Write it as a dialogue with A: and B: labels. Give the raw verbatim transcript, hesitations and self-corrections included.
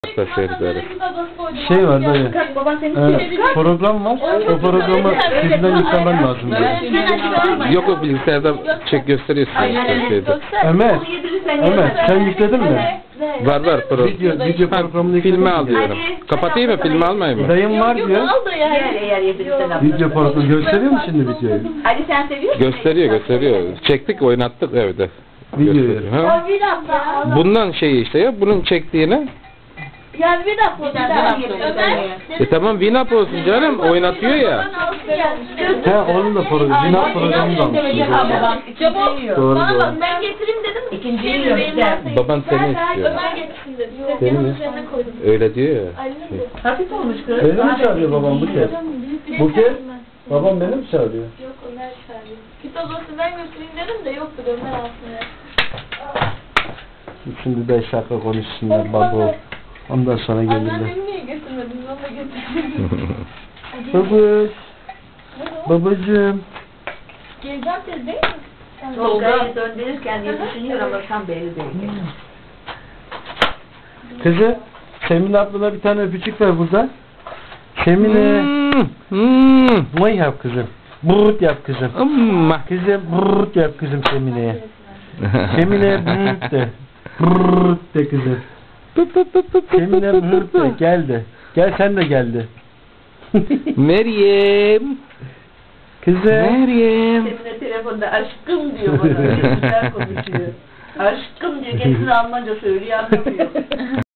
A: Yaklaşıyoruz.
B: Şey var dayı.
C: Baban seni
B: Ee, program var. O programı sizden yüklemen lazım. Dayı.
A: Yok o bilgisayarda çek gösteriyorsun.
B: Ömer. Ömer sen yükledin mi?
A: Var var program.
B: Video, video programını yükledin
A: Filmi
B: mi?
A: al diyorum. Kapatayım mı? Filmi almayayım mı?
B: Dayım var diyor.
C: Eğer eğer yedirirsen abla.
B: Video programı gösteriyor mu şimdi videoyu?
C: Ali sen seviyor musun?
A: Gösteriyor gösteriyor. Çektik oynattık evde.
B: Videoyu.
A: Gösteriyor, ha?
D: Bir dakika.
A: Bundan şeyi işte ya bunun çektiğini.
D: Ya bir dakika. Bir dakika. Ömer.
A: E tamam Winamp olsun canım oynatıyor ya.
B: He onun da programı. Winamp programı da almış.
D: Çabuk.
B: Doğru
D: Bana
B: doğru.
D: bak ben getireyim dedim.
C: İkinciyi
D: Şey,
C: yiyorum,
D: benim
C: güzel.
D: masayı-
A: Baban seni istiyor.
D: Ömer getirsin dedi.
A: Seni mi?
D: Üzerine koydum.
A: Öyle diyor ya.
D: Ali'nin de.
C: Hafif olmuş kız.
B: Beni mi çağırıyor babam bu kez? Bu kez? Babam beni mi çağırıyor?
D: Yok Ömer çağırıyor. Kitap odası ben götüreyim dedim de yoktu Ömer aslında.
B: Şimdi beş dakika konuşsunlar baba. Ondan sonra gelirler.
D: Anneannemi niye götürmedin? Onu da götürdüm.
B: Babuş. Babacığım.
D: Geleceğim tez değil mi?
C: Tolga'yı döndürürken diye düşünüyor ama tam belli değil.
B: Kızı, Semine ablana bir tane öpücük ver burada. Semine.
A: Hmm, hmm.
B: Vay yap kızım. Brrrt yap kızım.
A: Amma.
B: Kızım brrrt yap kızım Semine'ye. Semine brrrt de. Brrrt de kızım. Semine brrrt de. Gel de. Gel sen de gel de.
A: Meryem.
B: Kızım.
A: Meryem.
C: Semine telefonda aşkım diyor bana. Güzel konuşuyor. Aşkım diyor. Kendisi Almanca söylüyor anlamıyor.